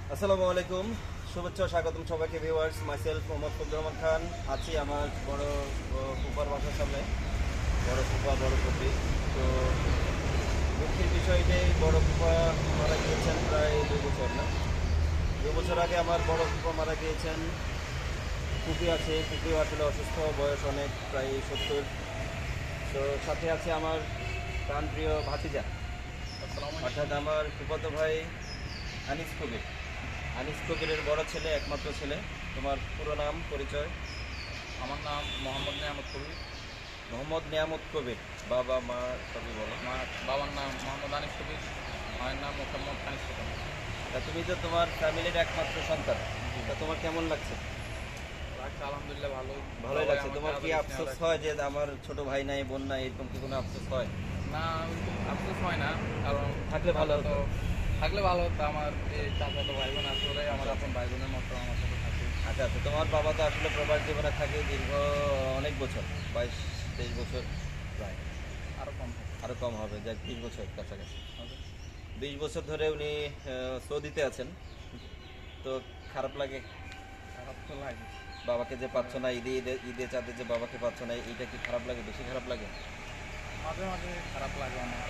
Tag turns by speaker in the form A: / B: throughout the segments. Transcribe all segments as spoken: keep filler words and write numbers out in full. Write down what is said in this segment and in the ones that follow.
A: আসসালামু আলাইকুম, শুভেচ্ছা ও স্বাগতম সবাইকে ভিউয়ার্স। মাইসেলফ মোহাম্মদ ফজলুর রহমান খান আছি আমার বড় ফুপার বাসার সামনে। বড় ফুপা, বড় ফুপি। তো দুঃখের বিষয় যে বড় ফুপা মারা গিয়েছেন প্রায় দুই বছর না দুই বছর আগে আমার বড় ফুপা মারা গিয়েছেন। ফুপি আছে, ফুপিও আসলে অসুস্থ, বয়স অনেক, প্রায় সত্তর। তো সাথে আছে আমার প্রাণপ্রিয় ভাতিজা, অর্থাৎ আমার ফুফাতো ভাই আনিস কবির। আনিস কবিরের বড় ছেলে, একমাত্র ছেলে। তোমার পুরো নাম, পরিচয়?
B: আমার নাম মোহাম্মদ নিয়ামত কবির।
A: মোহাম্মদ নিয়ামত কবির। বাবা মা সবই বলো।
B: আমার বাবার নাম মোহাম্মদ আনিস কবির, মায়ের নাম মোহাম্মদ আনিস কবির।
A: তা তুমি তো তোমার ফ্যামিলির একমাত্র সন্তান, তা তোমার কেমন লাগছে?
B: লাগছে আলহামদুলিল্লাহ ভালো,
A: ভালোই লাগছে। তোমার কি আফসোস হয় যে আমার ছোট ভাই নাই, বোন নাই, এরকম কি কোনো আফসোস হয়?
B: না, ওইরকম আফসোস হয় না, কারণ
A: থাকলে ভালো হতো।
B: থাকলে ভালো হতো। আমার এই চাচাতো ভাই বোন আসলে আমার আপন ভাই বোনের মতো আমার সাথে থাকে।
A: আচ্ছা আচ্ছা, তোমার বাবা তো আসলে প্রবাস জীবনে থাকে দীর্ঘ অনেক বছর, বাইশ তেইশ বছর প্রায়,
B: আরও কম থাকে।
A: আরও কম হবে, যাক বিশ বছর কাছাকাছি।
B: হবে।
A: বিশ বছর ধরে উনি আহ, সৌদিতে আছেন। তো খারাপ লাগে
B: খারাপ তো লাগে,
A: বাবাকে যে পাচ্ছ না, ঈদে ঈদে ঈদে চাঁদে যে বাবাকে পাচ্ছ না, এইটা কি খারাপ লাগে? বেশি খারাপ লাগে?
B: মাঝে মাঝে খারাপ লাগে অনেক।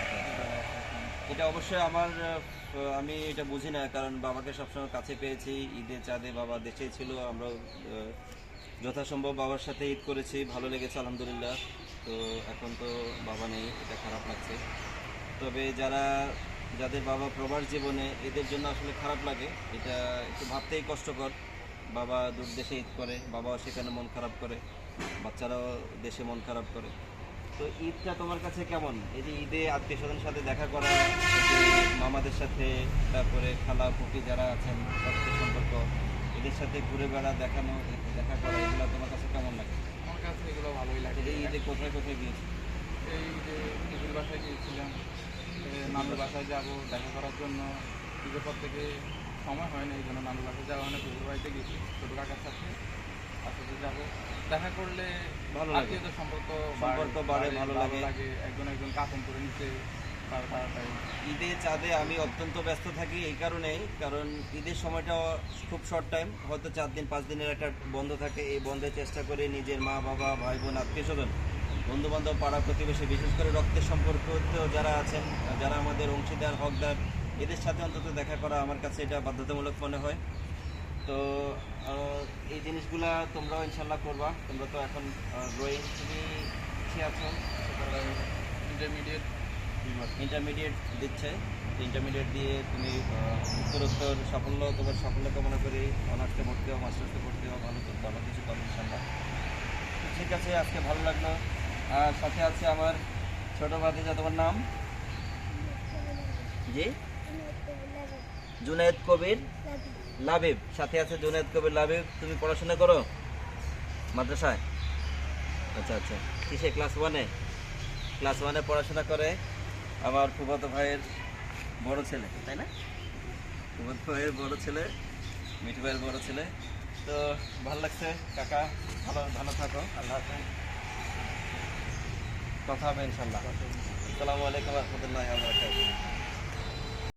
A: এটা অবশ্যই আমার আহ, আমি এটা বুঝি না, কারণ বাবাকে সবসময় কাছে পেয়েছি। ঈদে চাঁদে বাবা দেশেই ছিল, আমরা আহ, যথাসম্ভব বাবার সাথে ঈদ করেছি, ভালো লেগেছে আলহামদুলিল্লাহ। তো এখন তো বাবা নেই, এটা খারাপ লাগছে। তবে যারা যাদের বাবা প্রবাস জীবনে, এদের জন্য আসলে খারাপ লাগে। এটা একটু ভাবতেই কষ্টকর। বাবা দূর দেশে ঈদ করে, বাবাও সেখানে মন খারাপ করে, বাচ্চারাও দেশে মন খারাপ করে। তো ঈদটা তোমার কাছে কেমন? এই যে ঈদে আত্মীয় স্বজনের সাথে দেখা করা, এই যে মামাদের সাথে, তারপরে খালা ফুপি যারা আছেন রক্তের সম্পর্ক, এদের সাথে ঘুরে বেড়া, দেখানো, দেখা করা, এগুলো তোমার কাছে কেমন লাগে?
B: আমার কাছে এগুলো ভালোই লাগে।
A: এই ঈদে কোথায় কোথায় গিয়েছি?
B: এই যে দিদির বাসায় গিয়েছিলাম, এ, নানুর বাসায় যাব দেখা করার জন্য। ঈদের পর থেকে সময় হয় না, এই জন্য নানুর বাসায় যাওয়া হয় না। পুকুর বাড়িতে গেছি ছোটো কাকার সাথে, তার সাথে যাবো। দেখা করলে
A: ভালো লাগে,
B: আত্মীয়তার সম্পর্ক
A: সম্পর্ক বাড়ে, ভালো লাগে।
B: লাগে একজন একজন কাপন করে নিতে তার তাড়াতাড়ি।
A: ঈদে চাঁদে আমি অত্যন্ত ব্যস্ত থাকি এই কারণেই, কারণ ঈদের সময়টা খুব শর্ট টাইম, হয়তো চার দিন পাঁচ দিনের একটা বন্ধ থাকে। এই বন্ধে চেষ্টা করে নিজের মা বাবা, ভাই বোন, আত্মীয় স্বজন, বন্ধু বান্ধব, পাড়া প্রতিবেশী, বিশেষ করে রক্তের সম্পর্ক যারা আছেন, যারা আমাদের অংশীদার, হকদার, এদের সাথে অন্তত দেখা করা আমার কাছে এটা বাধ্যতামূলক মনে হয়। তো আহ, এই জিনিসগুলা তোমরাও ইনশাল্লাহ করবা। তোমরা তো এখন ড্রয়িং, তুমি কি আছো?
B: ইন্টারমিডিয়েট
A: ইন্টারমিডিয়েট দিচ্ছে। ইন্টারমিডিয়েট দিয়ে তুমি আহ, উত্তরোত্তর সাফল্য, তোমার সাফল্য কামনা করি। অনার্সে ভর্তি হও, মাস্টার্সে ভর্তি হও, ভালো ভালো কিছু করো ইনশাল্লাহ। ঠিক আছে, আজকে ভালো লাগলো। আর সাথে আছে আমার ছোট ভাতিজা, তোমার নাম? জি, জুনায়েদ কবির লাবিব। সাথে আছে জুনায়েদ কবির লাবিব। তুমি পড়াশোনা করো মাদ্রাসায়? আচ্ছা আচ্ছা, কিসে? ক্লাস ওয়ানে? ক্লাস ওয়ানে পড়াশোনা করে আমার ফুফাতো ভাইয়ের বড় ছেলে, তাই না? ফুফাতো ভাইয়ের বড় ছেলে, মিঠু ভাইয়ের বড় ছেলে। তো ভালো লাগছে কাকা, ভালো ভালো থাকো, আল্লাহ হাফেজ। কথা হবে ইনশাল্লাহ। আসসালামু আলাইকুম ওয়া রাহমাতুল্লাহি ওয়া বারাকাতুহু।